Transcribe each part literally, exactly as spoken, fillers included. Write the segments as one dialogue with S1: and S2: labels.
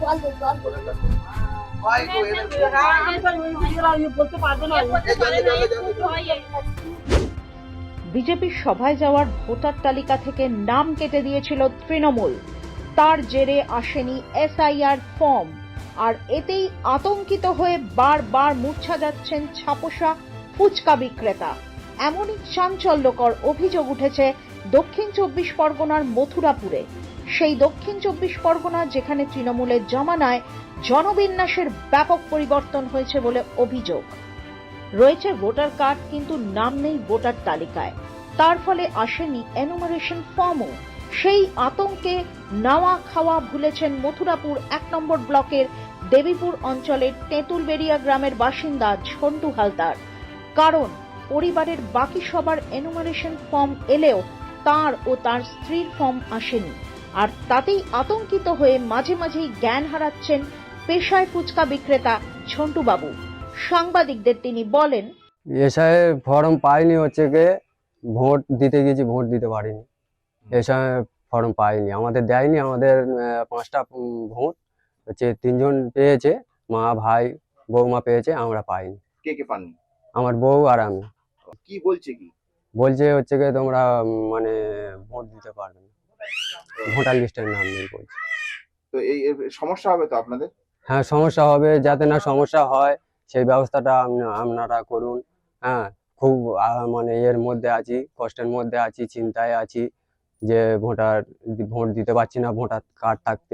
S1: বিজেপির সভায় যাওয়ার ভোটার তালিকা থেকে নাম কেটে দিয়েছিল তৃণমূল। তার জেরে আসেনি এসআইআর ফর্ম, আর এতেই আতঙ্কিত হয়ে বারবার মূর্ছা যাচ্ছেন ছাপোষা ফুচকা বিক্রেতা। এমনই চাঞ্চল্যকর অভিযোগ উঠেছে দক্ষিণ চব্বিশ পরগনার মথুরাপুরে। সেই দক্ষিণ চব্বিশ পরগনা যেখানে তৃণমূলের জমানায় জনবিন্যাসের ব্যাপক পরিবর্তন হয়েছে বলে অভিযোগ। রয়েছে ভোটার কার্ড, কিন্তু নাম নেই ভোটার তালিকায়। তার ফলে আসেনি এনুমারেশন ফর্মও। সেই আতঙ্কে নাওয়া খাওয়া ভুলেছেন মথুরাপুর এক নম্বর ব্লকের দেবীপুর অঞ্চলের তেঁতুলবেড়িয়া গ্রামের বাসিন্দা ঝন্টু হালদার। কারণ পরিবারের বাকি সবার এনুমারেশন ফর্ম এলেও তার ও তার স্ত্রীর ফর্ম আসেনি, আর তাতেই আতঙ্কিত হয়ে মাঝে মাঝেই জ্ঞান হারাচ্ছেন পেশায় ফুচকা বিক্রেতা ঝন্টু বাবু। সাংবাদিকদের তিনি বলেন,
S2: এসআই ফর্ম পাইনি, হচ্ছে গিয়ে ভোট দিতে গেছি, ভোট দিতে পারিনি। এসআই ফর্ম পাইনি, আমাদের দেয়নি। আমাদের পাঁচটা ভোট হচ্ছে তিনজন পেয়েছে, মা ভাই বৌমা পেয়েছে, আমরা পাইনি।
S3: কে কে পাননি?
S2: আমার বউ আর আমি।
S3: কি বলছে কি
S2: বলছে হচ্ছে গিয়ে তোমরা মানে ভোট দিতে পারবে না, ভোটার লিস্টের নাম নেই বলছে।
S3: তো এই এর সমস্যা হবে তো আপনাদের?
S2: হ্যাঁ, সমস্যা হবে। যাতে না সমস্যা হয় সেই ব্যবস্থাটা আপনারা করুন। হ্যাঁ, খুব আহ, মানে এর মধ্যে আছি, কষ্টের মধ্যে আছি, চিন্তায় আছি যে ভোটার ভোট দিতে পারছি না ভোটার কার্ড থাকতে।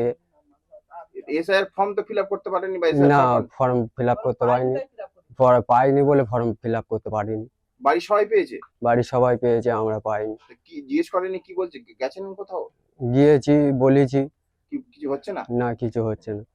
S3: এসআইআর ফর্ম তো ফিল আপ করতে পারেননি? বা
S2: না, ফর্ম ফিল আপ করতে পারিনি, পরে পাইনি বলে ফর্ম ফিল আপ করতে পারিনি।
S3: বাড়ির সবাই পেয়েছে?
S2: বাড়ির সবাই পেয়েছে, আমরা পাইনি।
S3: কি জিজ্ঞেস করেনি? কি বলছে? গেছেন কোথাও?
S2: গিয়েছি, বলেছি,
S3: কি কিছু হচ্ছে না?
S2: না কিছু হচ্ছে না।